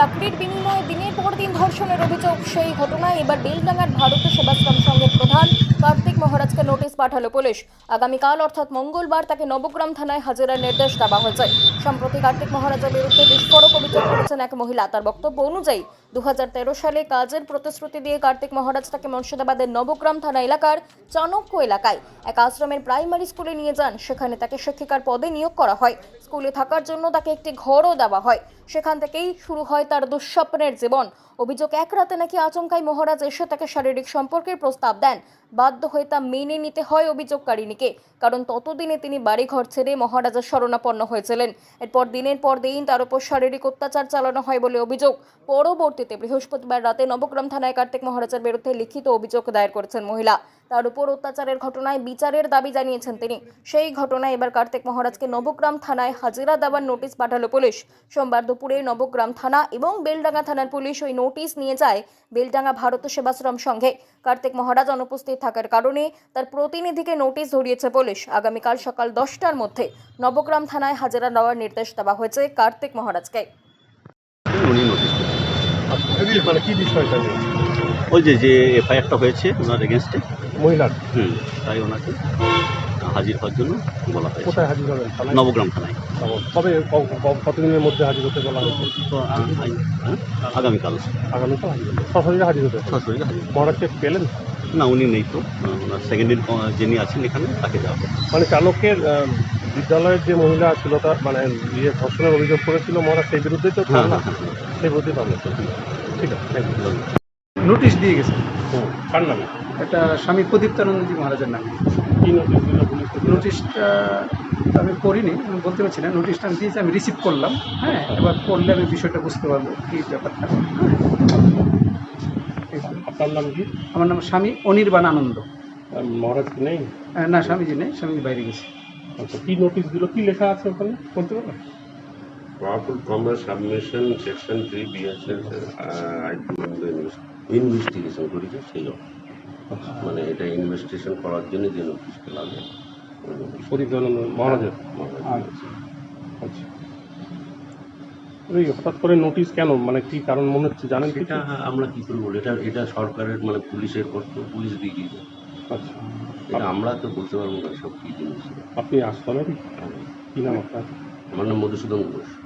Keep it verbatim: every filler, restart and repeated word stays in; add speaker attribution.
Speaker 1: চাকরির বিনিময়ে দিনের পর দিন ধর্ষণের অভিযোগ। সেই ঘটনায় এবার বেলডাঙ্গার ভারত সেবাশ্রম সংঘের প্রধান কার্তিক মহারাজকে নোটিশ পাঠালো পুলিশ। আগামীকাল অর্থাৎ মঙ্গলবার তাকে নবগ্রাম থানায় হাজিরার নির্দেশ দেওয়া হয়েছে। সম্প্রতি কার্তিক মহারাজের বিরুদ্ধে বিস্ফোরক অভিযোগ করেছেন এক মহিলা। তার বক্তব্য অনুযায়ী দু হাজার তেরো সালে কাজের প্রতিশ্রুতি দিয়ে কার্তিক মহারাজ তাকে মুর্শিদাবাদের নবগ্রাম থানা এলাকার চাণক্য এলাকায় এক আশ্রমের প্রাইমারি স্কুলে নিয়ে যান। সেখানে তাকে শিক্ষিকার পদে নিয়োগ করা হয়। স্কুলে থাকার জন্য তাকে একটি ঘরও দেওয়া হয়। সেখান থেকেই শুরু হয় তার দুঃস্বপ্নের জীবন। অভিযোগ, এক রাতে নাকি আচমকাই মহারাজ এসে তাকে শারীরিক সম্পর্কের প্রস্তাব দেন। বাধ্য হয়ে তা মেনে নিতে হয় অভিযোগকারিনীকে, কারণ ততদিনে তিনি বাড়িঘর ছেড়ে মহারাজের শরণাপন্ন হয়েছিলেন। এরপর দিনের পর দিন তার উপর শারীরিক অত্যাচার চালানো হয় বলে অভিযোগ। পরবর্তীতে বৃহস্পতিবার রাতে নবগ্রাম থানায় কার্তিক মহারাজের বিরুদ্ধে লিখিত অভিযোগ দায়ের করেছেন মহিলা। তার উপর অত্যাচারের ঘটনায় বিচারের দাবি জানিয়েছেন তিনি। সেই ঘটনায় এবার কার্তিক মহারাজকে নবগ্রাম থানায় হাজিরা দেওয়ার নোটিশ পাঠালো পুলিশ। সোমবার দুপুরে নবগ্রাম থানা এবং বেলডাঙ্গা থানার পুলিশ ওই নোটিশ নিয়ে যায় বেলডাঙ্গা ভারত সেবাশ্রম সংঘে। কার্তিক মহারাজ অনুপস্থিত থাকার কারণে তার প্রতিনিধিকে নোটিশ ধরিয়েছে পুলিশ। আগামীকাল সকাল দশটার মধ্যে নবগ্রাম থানায় হাজিরা দেওয়ার নির্দেশ দেওয়া হয়েছে কার্তিক মহারাজকে।
Speaker 2: মানে কি বিষয়টা নিয়ে?
Speaker 3: ওই যে যে এফআইআরটা হয়েছে ওনার এগেনস্টে
Speaker 2: মহিলার
Speaker 3: হুম তাই ওনাকে হাজির হওয়ার জন্য বলা হয়েছে।
Speaker 2: কোথায় হাজির হবেন? থানায়?
Speaker 3: নবগ্রাম থানায়।
Speaker 2: কবে ক- ক- কতদিনের মধ্যে হাজির হতে বলা হয়েছে?
Speaker 3: তো আ- হ্যাঁ, আগামীকাল
Speaker 2: আগামীকাল হাজির হতে সরাসরি হাজির হতে হবে।
Speaker 3: সরাসরি হাজির।
Speaker 2: মহারাজকে পেলেন?
Speaker 3: না, উনি নেই তো। ওনার সেকেন্ড ইয়ার যিনি আছেন এখানে তাকে দেওয়া হবে।
Speaker 2: মানে চালকের আহ, বিদ্যালয়ের যে মহিলা ছিল তার মানে ইয়ে ধর্ষণের অভিযোগ করেছিল মহারাজ, সেই বিরুদ্ধেই তো
Speaker 3: হ্যাঁ
Speaker 2: না
Speaker 3: হ্যাঁ হ্যাঁ
Speaker 2: সেই বিরুদ্ধেই পাবো। ঠিক আছে, থ্যাংক ইউ।
Speaker 4: নোটিশ দিয়ে গেছে।
Speaker 2: হুম, কার নামে?
Speaker 4: এটা স্বামী প্রদীপ্তানন্দজি মহারাজের নামে।
Speaker 2: কি নোটিশ দিল পুলিশ?
Speaker 4: নোটিশটা আমি পড়িনি, আমি বলতে পারছি না। নোটিশটা আমি দিয়েছি, আমি রিসিভ করলাম। হ্যাঁ, এবার পড়লে আমি বিষয়টা বুঝতে পারবো কী ব্যাপারটা।
Speaker 2: আপনার নাম কি?
Speaker 4: আমার নাম স্বামী অনির্বাণ আনন্দ।
Speaker 2: আর মহারাজ কি নেই?
Speaker 4: আহ, না, স্বামীজি নেই, স্বামীজি বাইরে গেছে।
Speaker 2: আচ্ছা, কি নোটিশ দিল, কি লেখা আছে ওখানে বলতে পারবেন?
Speaker 5: Powerful commerce submission section three B S S I P M investigation করেছে সেই জন্য। মানে এটা ইনভেস্টিগেশন করার জন্য যে নোটিশটা লাগে ওই নোটিশ
Speaker 2: প্রদীপ্তানন্দ মহারাজের?
Speaker 5: মহারাজ।
Speaker 2: আচ্ছা, এই হঠাৎ করে নোটিশ কেন, মানে কি কারণ মনে হচ্ছে জানেন কি?
Speaker 5: এটা আমরা কি করে বলি, এটা এটা সরকারের মানে পুলিশের কর্তব্য, পুলিশ দিয়ে দিয়েছে।
Speaker 2: আচ্ছা,
Speaker 5: এটা আমরা তো বলতে পারবো না সব কি জিনিস।
Speaker 2: আপনি আশ্রমেরই? কি নাম আপনার?
Speaker 5: আমার নাম মধুসূদন ঘোষ।